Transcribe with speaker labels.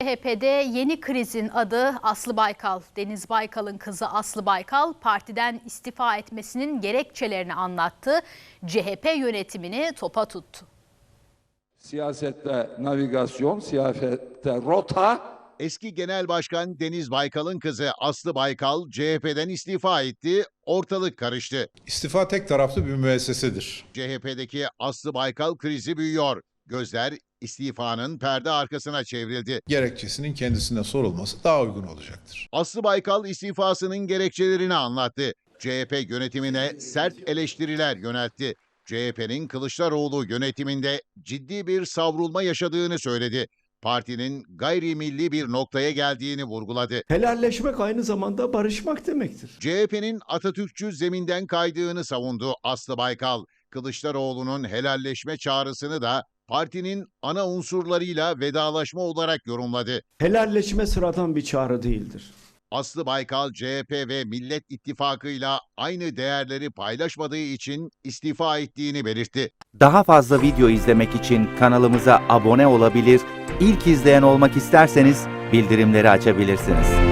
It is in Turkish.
Speaker 1: CHP'de yeni krizin adı Aslı Baykal. Deniz Baykal'ın kızı Aslı Baykal partiden istifa etmesinin gerekçelerini anlattı. CHP yönetimini topa tuttu.
Speaker 2: Siyasette navigasyon, siyasette rota.
Speaker 3: Eski Genel Başkan Deniz Baykal'ın kızı Aslı Baykal CHP'den istifa etti, ortalık karıştı.
Speaker 4: İstifa tek taraflı bir müessesedir.
Speaker 3: CHP'deki Aslı Baykal krizi büyüyor. Gözler istifanın perde arkasına çevrildi.
Speaker 4: Gerekçesinin kendisine sorulması daha uygun olacaktır.
Speaker 3: Aslı Baykal istifasının gerekçelerini anlattı. CHP yönetimine sert eleştiriler yöneltti. CHP'nin Kılıçdaroğlu yönetiminde ciddi bir savrulma yaşadığını söyledi. Partinin gayrimilli bir noktaya geldiğini vurguladı.
Speaker 5: Helalleşmek aynı zamanda barışmak demektir.
Speaker 3: CHP'nin Atatürkçü zeminden kaydığını savundu Aslı Baykal. Kılıçdaroğlu'nun helalleşme çağrısını da partinin ana unsurlarıyla vedalaşma olarak yorumladı.
Speaker 5: Helalleşme sıradan bir çağrı değildir.
Speaker 3: Aslı Baykal, CHP ve Millet İttifakı'yla aynı değerleri paylaşmadığı için istifa ettiğini belirtti.
Speaker 6: Daha fazla video izlemek için kanalımıza abone olabilir, ilk izleyen olmak isterseniz bildirimleri açabilirsiniz.